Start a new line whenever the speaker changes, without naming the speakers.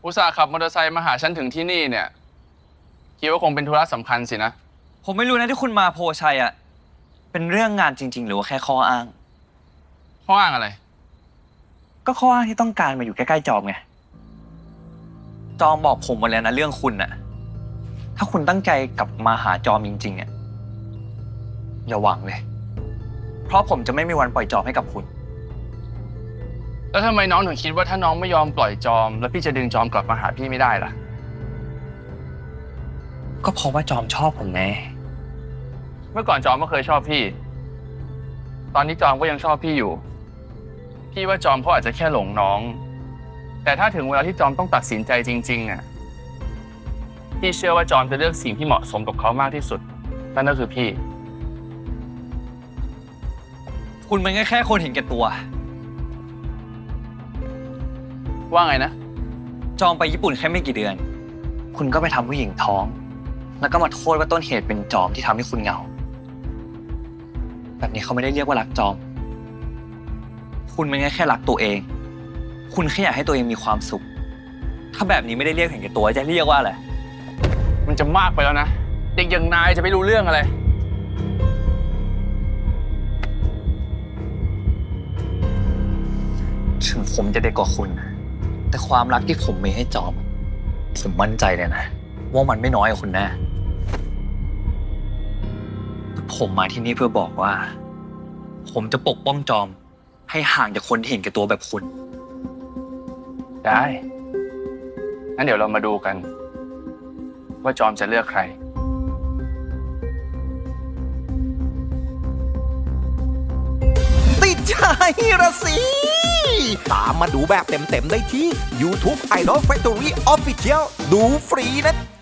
อุตส่าห์ขับมอเตอร์ไซค์มาหาฉันถึงที่นี่เนี่ยคิดว่าคงเป็นธุระสำคัญสินะ
ผมไม่รู้นะที่คุณมาโพชัยอะเป็นเรื่องงานจริงๆหรือว่าแค่ข้ออ้าง
ข้ออ้างอะไร
ก็ข้ออ้างที่ต้องการมาอยู่ใกล้ๆจอมไง จอมบอกผมมาแล้วนะเรื่องคุณน่ะ ถ้าคุณตั้งใจกลับมาหาจอมจริงๆอะอย่าหวังเลย เพราะผมจะไม่มีวันปล่อยจอมให้กับคุณ
แล้วทำไมน้องถึงคิดว่าถ้าน้องไม่ยอมปล่อยจอม แล้วพี่จะดึงจอมกลับมาหาพี่ไม่ได้ล่ะ
ก็เพราะว่าจอมชอบผมไง
เมื่อก่อนจอมก็เคยชอบพี่ ตอนนี้จอมก็ยังชอบพี่อยู่ พี่ว่าจอมเขาอาจจะแค่หลงน้อง แต่ถ้าถึงเวลาที่จอมต้องตัดสินใจจริงๆอ่ะพี่เชื่อว่าจอมจะเลือกสิ่งที่เหมาะสมกับเขามากที่สุด นั่นก็คือพี่
คุณมันแค่คนเห็นแก่ตัว
ว่าไงนะ
จอมไปญี่ปุ่นแค่ไม่กี่เดือน คุณก็ไปทำผู้หญิงท้อง แล้วก็มาโทษว่าต้นเหตุเป็นจอมที่ทำให้คุณเหงา แบบนี้เขาไม่ได้เรียกว่ารักจอม คุณมันแค่รักตัวเอง คุณแค่อยากให้ตัวเองมีความสุข ถ้าแบบนี้ไม่ได้เรียกเห็นแก่ตัวจะเรียกว่าอะไร
มันจะมากไปแล้วนะ เด็กอย่างนายจะไม่รู้เรื่องอะไร
ถึงผมจะเด็กกว่าคุณ แต่ความรักที่ผมมีให้จอม ผมมั่นใจเลยนะว่ามันไม่น้อยกว่าคุณแน่ ผมมาที่นี่เพื่อบอกว่า ผมจะปกป้องจอม ให้ห่างจากคนที่เห็นแก่ตัวแบบคุณ
ได้ งั้นเดี๋ยวเรามาดูกัน ว่าจอมจะเลือกใคร
ติดใจระสิ ตามมาดูแบบเต็มๆได้ที่ YouTube Idol Factory Official ดูฟรีนะ